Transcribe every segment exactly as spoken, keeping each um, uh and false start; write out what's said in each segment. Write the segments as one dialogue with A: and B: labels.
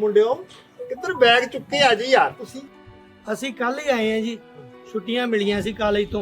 A: ਮੁੰਡਿਓ, ਕਿੱਧਰ ਬੈਗ ਚੁੱਕੇ ਆ ਜੀ ਯਾਰ ਤੁਸੀਂ?
B: ਅਸੀਂ ਕੱਲ ਹੀ ਆਏ ਆ ਜੀ, ਛੁੱਟੀਆਂ ਮਿਲੀਆਂ ਸੀ ਕਾਲਜ ਤੋਂ।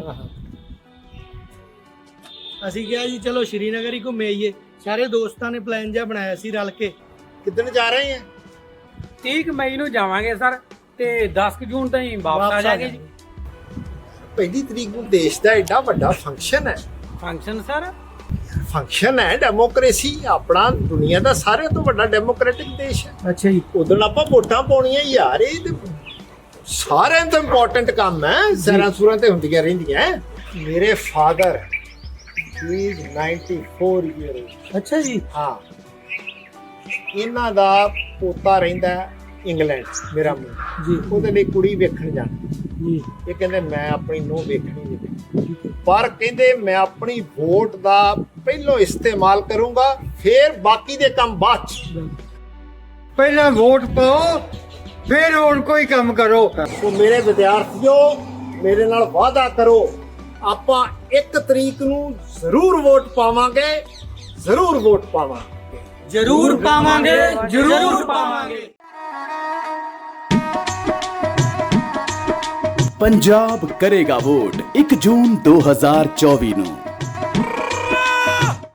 B: ਅਸੀਂ ਕਿਹਾ ਜੀ ਚਲੋ ਸ਼੍ਰੀਨਗਰ ਹੀ ਘੁੰਮੇ ਆਈਏ। ਸਾਰੇ ਦੋਸਤਾਂ ਨੇ ਪਲਾਨ ਜਿਹਾ ਬਣਾਇਆ ਸੀ ਰਲ ਕੇ।
A: ਕਿੱਦਣ ਜਾ ਰਹੇ ਆ?
C: ਤੀਹ ਮਈ ਨੂੰ ਜਾਵਾਂਗੇ ਸਰ, ਤੇ ਦਸ ਜੂਨ ਤਾਈਂ ਵਾਪਸ ਆ ਜਾਗੇ ਜੀ।
A: ਪਹਿਲੀ ਤਰੀਕ ਨੂੰ ਦੇਸ਼ ਦਾ ਐਡਾ ਵੱਡਾ ਫੰਕਸ਼ਨ ਹੈ।
C: Function sir?
A: ਫੰਕਸ਼ਨ ਹੈ, ਡੈਮੋਕ੍ਰੇਸੀ ਆਪਣਾ ਦੁਨੀਆ ਦਾ ਸਾਰਿਆਂ ਤੋਂ ਵੱਡਾ ਡੈਮੋਕ੍ਰੈਟਿਕ ਦੇਸ਼ ਹੈ।
B: ਅੱਛਾ ਜੀ।
A: ਉਦੋਂ ਆਪਾਂ ਵੋਟਾਂ ਪਾਉਣੀਆਂ ਯਾਰ, ਇਹ ਤੇ ਸਾਰਿਆਂ ਤੋਂ ਇੰਪੋਰਟੈਂਟ ਕੰਮ ਹੈ। ਸੈਰਾਂ ਸੂਰਾਂ ਤੇ ਹੁੰਦੀਆਂ ਰਹਿੰਦੀਆਂ। ਮੇਰੇ father is ninety four year old.
B: ਅੱਛਾ ਜੀ।
A: ਹਾਂ, ਇਹਨਾਂ ਦਾ ਪੋਤਾ ਰਹਿੰਦਾ ਇੰਗਲੈਂਡ, ਮੇਰਾ ਮੂੰਹ
B: ਜੀ।
A: ਉਹਦੇ ਲਈ ਕੁੜੀ ਵੇਖਣ ਜਾਣਾ
B: ਜੀ।
A: ਇਹ ਕਹਿੰਦੇ ਮੈਂ ਆਪਣੀ ਨੂੰਹ ਵੇਖਣੀ ਨਹੀਂ, ਪਰ ਕਹਿੰਦੇ ਮੈਂ ਆਪਣੀ ਵੋਟ ਦਾ ਪਹਿਲੋਂ ਇਸਤੇਮਾਲ ਕਰੂੰਗਾ, ਫਿਰ ਬਾਕੀ ਦੇ ਕੰਮ ਬਾਅਦ ਚ।
D: ਪਹਿਲਾਂ ਵੋਟ ਪਾਓ, ਫਿਰ ਹੁਣ ਕੋਈ ਕੰਮ ਕਰੋ।
A: ਸੋ ਮੇਰੇ ਵਿਦਿਆਰਥੀਓ, ਮੇਰੇ ਨਾਲ ਵਾਅਦਾ ਕਰੋ, ਆਪਾਂ ਇੱਕ ਤਰੀਕ ਨੂੰ ਜ਼ਰੂਰ ਵੋਟ ਪਾਵਾਂਗੇ, ਜ਼ਰੂਰ ਵੋਟ ਪਾਵਾਂਗੇ,
C: ਜ਼ਰੂਰ ਪਾਵਾਂਗੇ, ਜ਼ਰੂਰ ਪਾਵਾਂਗੇ।
E: पंजाब करेगा वोट एक जून दो हजार चौबीस ਨੂੰ।